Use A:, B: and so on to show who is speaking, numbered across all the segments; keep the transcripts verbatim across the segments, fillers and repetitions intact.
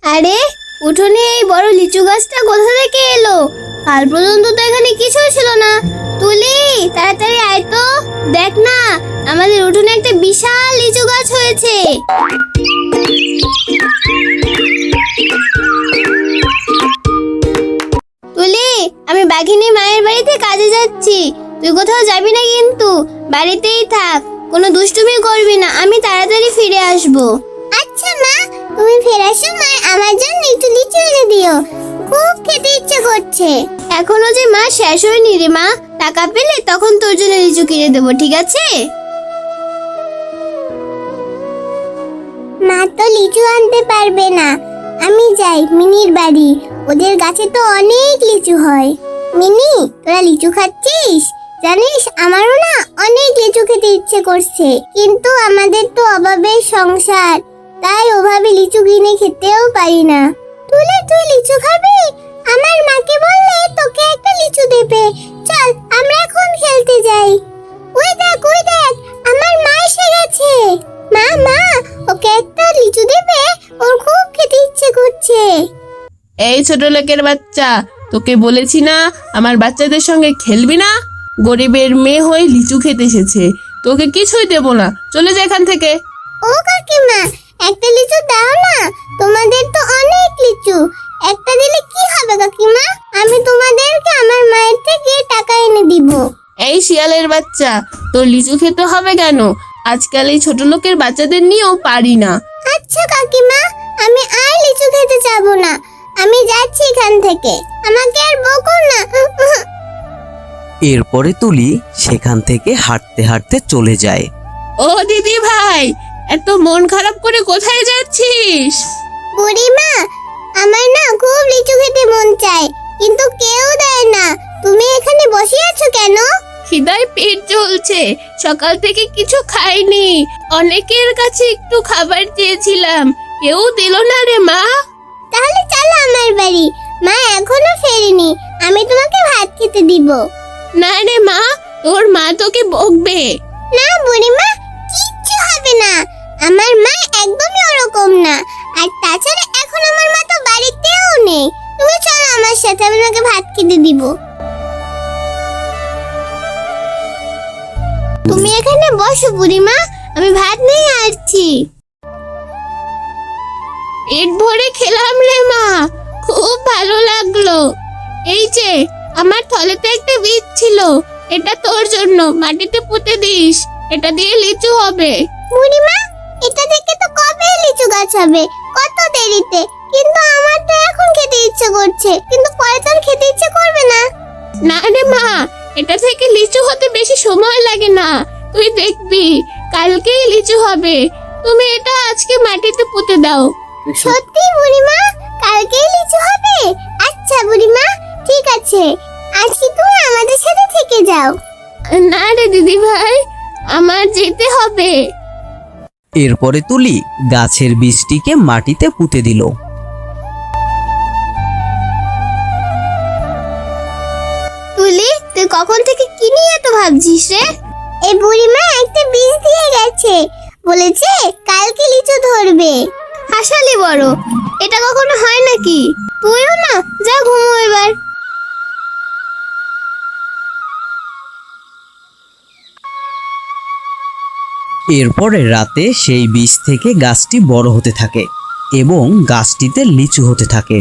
A: আরে উঠোনে এই বড় লিচু গাছটা কোথা থেকে এলো? কাল পর্যন্ত তো এখানে কিছুই ছিল না। তুলি, তাড়াতাড়ি আয় তো, দেখ না আমাদের উঠোনে একটা বিশাল লিচু গাছ হয়েছে। তুলি, আমি বাঘিনী মায়ের বাড়িতে কাজে যাচ্ছি, তুই কোথাও যাবি না কিন্তু, বাড়িতেই থাক, কোনো দুষ্টুমি করবি না, আমি তাড়াতাড়ি ফিরে আসবো। আচ্ছা মা, তুমি ফেরার সময় আমার জন্য একটু লিচু এনে দিও, খুব খেতে ইচ্ছে করছে। এখনো যে মা শেষ হয়নি রে মা, টাকা পেলে তখন তোর জন্য লিচু কিনে দেবো, ঠিক আছে? মা তো লিচু আনতে পারবে না, আমি যাই মিনির বাড়ি, ওদের গাছে তো অনেক লিচু হয়। মিনি, তোরা লিচু খাচ্ছিস? জানিস আমারও না অনেক লিচু খেতে ইচ্ছে করছে, কিন্তু আমাদের তো অভাবের সংসার, তাই ওভাবে লিচু কিনে খেতেও পারি না। তুলে তুই লিচু খাবি? আমার মাকে বললে তোকে একটা লিচু দেবে। চল আমরা এখন খেলতে যাই। ওই দেখ ওই দেখ, আমার মা এসে গেছে। মা মা, ওকে একটা লিচু দেবে, ওর খুব খেতে ইচ্ছে করছে।
B: এই ছোট লোকের বাচ্চা, তোকে বলেছি না আমার বাচ্চাদের সঙ্গে খেলবি না? গরিবের মেয়ে হয়ে লিচু খেতে এসেছে, তোকে কিছুই দেবো না, চলে যা এখান থেকে।
A: ও কাকিমা, একটা লিচু দাও না, তোমাদের তো অনেক লিচু, একটা দিলে কি হবে কাকিমা? আমি তোমাদেরকে আমার মায়ের থেকে টাকা এনে দিব।
B: এই শিয়ালের বাচ্চা, তোর লিচু খেতে হবে কেন? আজকাল এই ছোট লোকের বাচ্চাদের নিয়েও পারি না।
A: আচ্ছা কাকিমা, আমি আর লিচু খেতে যাবো না, আমি যাচ্ছি এখান থেকে, আমাকে আর বকো না।
C: এরপরে তুলি সেখান থেকে হাঁটতে হাঁটতে চলে যায়।
B: ও দিদি ভাই, এত মন খারাপ করে কোথায় যাচ্ছিস?
A: বুড়িমা, আমার না খুব লিচু খেতে মন চায়, কিন্তু কেউ দেয় না, তুমি এখানে বসে আছো কেন?
B: খিদায় পেট জ্বলছে, সকাল থেকে কিছু খাইনি, অনেকের কাছে একটু খাবার চেয়েছিলাম, কেউ দিল না রে মা।
A: তাহলে চলো আমার বাড়ি, মা এখনো ফেরেনি, আমি তোমাকে ভাত খেতে দিব।
B: না রে মা, তোর মা তোকে বকবে।
A: না বুড়িমা, কিচ্ছু হবে না, আমার মা একদমই ওরকম না, আর তাছাড়া এখন আমার মা তো বাড়িতেও নেই, তুমি চলো আমার সাথে, আমি তোমাকে ভাত খেতে দিব। তুমি এখানে বসো বুড়িমা, আমি ভাত নিয়ে আসছি।
B: পেট ভরে খেলাম রে মা, খুব ভালো লাগলো। এই যে আমার থলেতে একটা বীজ ছিল, এটা তোর জন্য, মাটিতে পুঁতে দিস, এটা দিয়ে লিচু হবে।
A: বুড়িমা, এটা থেকে তো কবে লিচু গাছ হবে, কত দেরিতে, কিন্তু আমার তো এখন খেতে ইচ্ছে করছে, কিন্তু পরে তো আর খেতে ইচ্ছে করবে না।
B: না রে মা, এটা থেকে লিচু হতে বেশি সময় লাগে না, তুই দেখবি কালকেই লিচু হবে, তুমি এটা আজকে মাটিতে পুঁতে দাও।
A: সত্যি বুড়িমা, কালকেই লিচু হবে? আচ্ছা বুড়িমা, ঠিক আছে, আজকে তুমি আমাদের সাথে থেকে যাও।
B: না রে দিদি ভাই, আমার যেতে হবে।
C: এরপরে তুলি গাছের বীজটিকে মাটিতে পুঁতে দিল।
A: তুলি, তুই কখন থেকে কি নিয়ে এত ভাবছিস রে? এই বুড়িমা একটা বীজ দিয়ে গেছে, বলেছে কালকে লিচু ধরবে। হাসালি বড়, এটা কখনো হয় নাকি? তুইও না, যা ঘুমো এবার।
C: এরপরে রাতে সেই বীজ থেকে গাছটি বড় হতে থাকে এবং গাছটিতে লিচু হতে থাকে।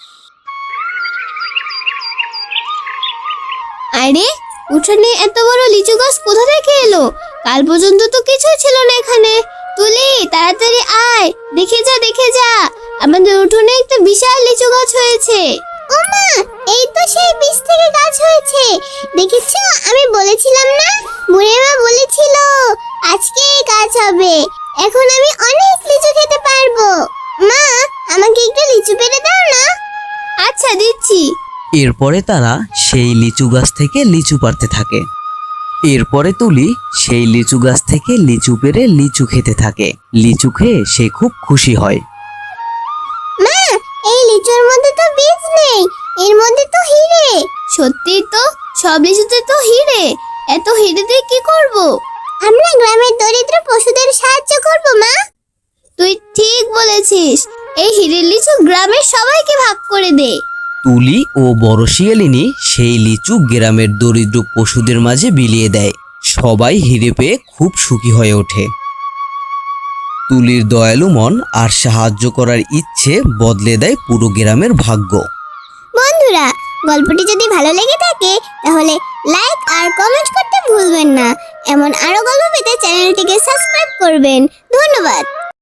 A: আরে উঠোনে এত বড় লিচু গাছ কোথা থেকে এলো? কাল পর্যন্ত তো কিছুই ছিল না এখানে। তুলি, তাড়াতাড়ি আয়, দেখে যা দেখে যা, আমাদের উঠোনে একটা বিশাল লিচু গাছ হয়েছে। ও মা, এই তো সেই বীজ থেকে গাছ হয়েছে, দেখেছো? আমি বলেছিলাম না, বুড়িমা বলেছিল আজকে এই গাছ হবে, এখন আমি অনেক লিচু খেতে পারবো। মা, আমাকে একটু লিচু পেড়ে দাও না। আচ্ছা দিচ্ছি।
C: এরপরে তারা সেই লিচু গাছ থেকে লিচু পাড়তে থাকে। এরপরে তুলি সেই লিচু গাছ থেকে লিচু পেড়ে লিচু খেতে থাকে। লিচু খেয়ে সে খুব খুশি হয়।
A: মা, এই লিচুর মধ্যে তো বীজ নেই, এর মধ্যে তো হিরে। সত্যি তো, সব লিচুতে তো হিরে, এত হিরে দিয়ে কি করব? আমরা গ্রামের দরিদ্র পশুদের সাহায্য করব মা। তুই ঠিক বলেছিস, এই হিরের লিচু গ্রামের সবাইকে ভাগ করে দে।
C: তুলি ও বড় শিয়ালিনী সেই লিচু গ্রামের দরিদ্র পশুদের মাঝে বিলিয়ে দেয়। সবাই হিরে পেয়ে খুব সুখী হয়ে ওঠে। তুলির দয়ালু মন আর সাহায্য করার ইচ্ছে বদলে দেয় পুরো গ্রামের ভাগ্য।
A: বন্ধুরা, গল্পটি যদি ভালো লেগে থাকে তাহলে লাইক আর কমেন্ট করতে ভুলবেন না। এমন আরো গল্প পেতে চ্যানেলটিকে সাবস্ক্রাইব করবেন। ধন্যবাদ।